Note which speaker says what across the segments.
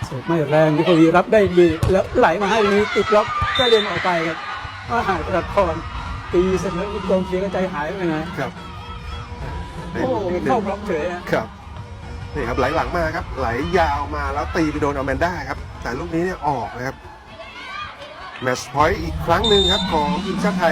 Speaker 1: เสิร์ฟไม่แรงนิโคลีรับได้ดีแล้วไหลมาให้นี้ติดล็อกก็เดินออกไปครับว่าหายประคอนตีเสร็จแล้วกองเชียร์ก็ใจหายไปนะครับโอ้เข้าบล็อกเฉย
Speaker 2: ครับนี่ครับไหลหลังมาครับไหลยาวมาแล้วตีไปโดนอแมนด้าครับแต่ลูกนี้เนี่ยออกนะครับแมตช์พอยต์อีกครั้งหนึ่งครับของทีมชาติไทย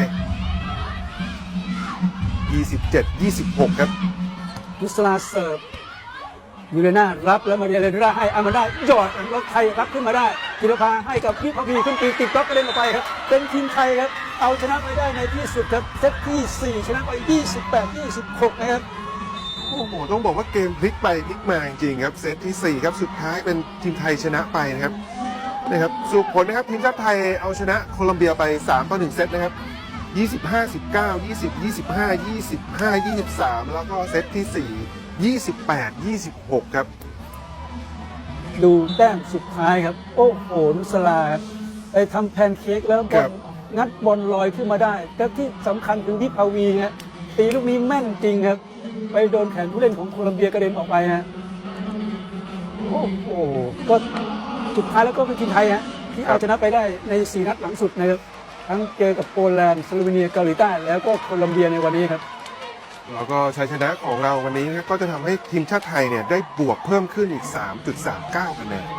Speaker 2: 27-26ครับ
Speaker 1: นุสลาเสิร์ฟยูเรนารับแล้วมาเรียเลนราให้อามาได้หยอดแล้วไทยรับขึ้นมาได้ธีรภาให้กับพิพพีขึ้นตีติดบล็อกกระเด็นออกไปครับเป็นทีมไทยครับเอาชนะไปได้ในที่สุดครับเซตที่4ชนะไป28-26นะครับ
Speaker 2: โอ้โหต้องบอกว่าเกมพลิกไปพลิกมาจริงๆครับเซตที่4ครับสุดท้ายเป็นทีมไทยชนะไปนะครับนะครับสรุปผลนะครับทีมชาติไทยเอาชนะโคลอมเบียไป3-1เซตนะครับ25-19 20-25 25-23แล้วก็เซตที่4 28-26ครับ
Speaker 1: ดูแต้มสุดท้ายครับโอ้โหนุสลาไปทำแพนเค้กแล้วบอลงัดบอลลอยขึ้นมาได้แต่ที่สำคัญคือที่พาวีฮะตีลูกนี้แม่นจริงครับไปโดนแขนผู้เล่นของโคลอมเบียกระเด็นออกไปฮะโอ้โหก็สุดท้ายแล้วก็เป็นทีมไทยฮะที่เอาชนะไปได้ใน4นัดหลังสุดนะครับทั้งเจอกับโปแลนด์สโลวีเนียเกาหลีใต้แล้วก็โคลอมเบียในวันนี้ครับ
Speaker 2: แล้วก็ชัยชนะของเราวันนี้ก็จะทำให้ทีมชาติไทยเนี่ยได้บวกเพิ่มขึ้นอีก 3.39 คะแนน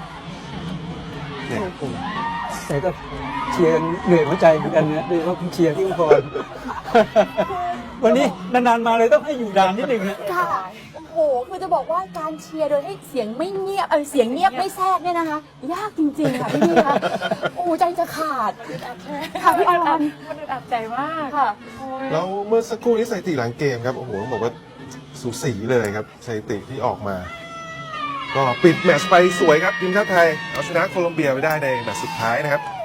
Speaker 1: แต่ก็เชียร์เหนื่อยหัวใจเหมือนกันนะโดยเฉพาะคุณเชียร์ที่อุบลวันนี้นานๆมาเลยต้องให้อยู่ดานนิดนึงนะ
Speaker 3: ค่ะโอ้โหคือจะบอกว่าการเชียร์โดยให้เสียงไม่เงียบเสียงเงียบไม่แทรกเนี่ยนะคะยากจริงๆค่ะพี่คะโอ้ใจจะขาดค่ะพี่อรอน
Speaker 4: มันอึดอัดใจมาก
Speaker 3: ค่ะ
Speaker 2: แล้วเมื่อสักครู่นี้สถิติหลังเกมครับโอ้โหต้องบอกว่าสูสีเลยครับสถิติที่ออกมาก็ปิดแมตช์ไปสวยครับทีมชาติไทยเอาชนะโคลอมเบียไปได้ในแมตช์สุดท้ายนะครับ